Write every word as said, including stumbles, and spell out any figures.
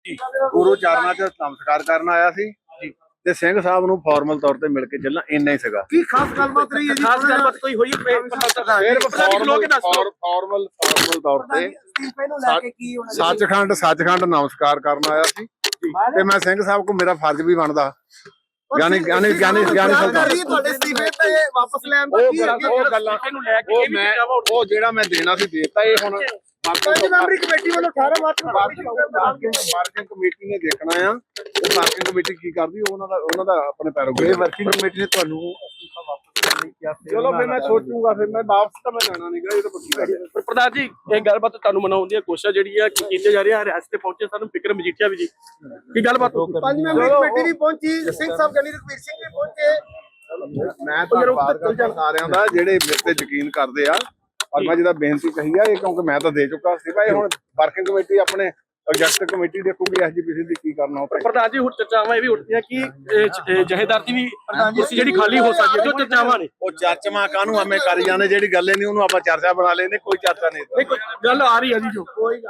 ਗੁਰੂ ਚਰਨਾਂ 'ਚ ਨਮਸਕਾਰ ਕਰਨ ਆਇਆ ਸੀ ਤੇ ਸਿੰਘ ਸਾਹਿਬ ਨੂੰ ਫਾਰਮਲ ਤੌਰ ਤੇ ਮਿਲ ਕੇ ਚੱਲਣਾ ਇੰਨਾ ਹੀ ਸੀਗਾ। ਕੀ ਖਾਸ ਗੱਲਬਾਤ ਰਹੀ ਹੈ ਜੀ? ਖਾਸ ਗੱਲਬਾਤ ਕੋਈ ਹੋਈ ਸਿਰਫ ਫਾਰਮਲ ਫਾਰਮਲ ਫਾਰਮਲ ਤੌਰ ਤੇ ਸੱਚਖੰਡ ਸੱਚਖੰਡ ਨਮਸਕਾਰ ਕਰਨ ਆਇਆ ਸੀ ਤੇ ਮੈਂ ਸਿੰਘ ਸਾਹਿਬ ਕੋ ਮੇਰਾ ਫਰਜ਼ ਵੀ ਬਣਦਾ ਯਾਨੀ ਯਾਨੀ ਯਾਨੀ ਯਾਨੀ ਤੁਹਾਡੇ ਅਸਤੀਫੇ ਤੇ ਵਾਪਸ ਲੈਣ ਦਾ ਕੀ ਉਹ ਗੱਲਾਂ ਨੂੰ ਲੈ ਕੇ ਉਹ ਮੈਂ ਉਹ ਜਿਹੜਾ ਮੈਂ ਦੇਣਾ ਸੀ ਦੇਤਾ। ਇਹ ਹੁਣ ਪੰਜ ਮੈਂਬਰੀ ਕਮੇਟੀ ਵੱਲੋਂ ਅਠਾਰਾਂ ਮਾਰਚ ਨੂੰ ਮਾਰਕਿੰਗ ਕਮੇਟੀ ਨੇ ਦੇਖਣਾ ਆ ਉਹ ਮਾਰਕਿੰਗ ਕਮੇਟੀ ਕੀ ਕਰਦੀ ਉਹਨਾਂ ਦਾ ਉਹਨਾਂ ਦਾ ਆਪਣੇ ਪੈਰੋਗੇ ਵਰਕਿੰਗ ਕਮੇਟੀ ਨੇ ਤੁਹਾਨੂੰ ਅਸਤੀਫਾ ਵਾਪਸ ਕਰਨ ਲਈ ਕਿਹਾ। ਚਲੋ ਫਿਰ ਮੈਂ ਸੋਚੂਗਾ ਫਿਰ ਮੈਂ ਵਾਪਸ ਤਾਂ ਮੈਂ ਲੈਣਾ ਨਹੀਂਗਾ। ਇਹ ਤਾਂ ਪੱਕੀ ਗੱਲ ਹੈ। ਪ੍ਰਧਾਨ ਜੀ ਇਹ ਗੱਲਬਾਤ ਤੁਹਾਨੂੰ ਮਨਾਉਣ ਦੀ ਕੋਸ਼ਿਸ਼ ਜਿਹੜੀ ਆ ਕੀਤੇ ਜਾ ਰਹੀ ਆ। ਰਿਆਸਤ ਤੇ ਪਹੁੰਚੇ ਸਾਨੂੰ ਵਿਕਰਮ ਮਜੀਠੀਆ ਵੀ ਜੀ ਕੀ ਗੱਲਬਾਤ ਪੰਜ ਮੈਂਬਰੀ ਕਮੇਟੀ ਵੀ ਪਹੁੰਚੀ, ਸਿੰਘ ਸਾਹਿਬ ਗਿਆਨੀ ਰਘਵੀਰ ਸਿੰਘ ਵੀ ਪਹੁੰਚੇ। ਮੈਂ ਧੰਨਵਾਦ ਕਰਦਾ ਸਾਰਿਆਂ ਦਾ ਜਿਹੜੇ ਮੇਰੇ ਤੇ ਯਕੀਨ ਕਰਦੇ ਆ। ਔਰ ਮੈਂ ਜਿਹਦਾ ਬੇਨਤੀ ਕਹੀ ਆ ਇਹ ਕਿਉਂਕਿ ਮੈਂ ਤਾਂ ਦੇ ਚੁੱਕਾ ਸੀ ਭਾਈ। ਹੁਣ ਵਰਕਿੰਗ ਕਮੇਟੀ ਆਪਣੇ ਐਗਜ਼ੈਕਟਿਵ ਕਮੇਟੀ ਦੇਖੂਗੀ ਐਸਜੀਪੀਸੀ ਦੀ ਕੀ ਕਰਨਾ ਹੋ। ਪ੍ਰਧਾਨ ਜੀ ਹੁਣ ਚਰਚਾਵਾਂ ਇਹ ਵੀ ਉੱਠਦੀਆਂ ਕਿ ਜਹੇਦਾਰ ਦੀ ਵੀ ਕੁਰਸੀ ਜਿਹੜੀ ਖਾਲੀ ਹੋ ਸਕਦੀ ਹੈ ਜੋ ਚਰਚਾਵਾਂ ਨੇ। ਉਹ ਚਰਚਾਵਾਂ ਕਾਹਨੂੰ ਐਵੇਂ ਕਰੀ ਜਾਂਦੇ ਜਿਹੜੀ ਗੱਲ ਨਹੀਂ ਉਹਨੂੰ ਆਪਾਂ ਚਰਚਾ ਬਣਾ ਲੈਂਦੇ। ਕੋਈ ਚਰਚਾ ਨਹੀਂ ਗੱਲ ਆ ਰਹੀ ਹੈ ਜੀ ਜੋ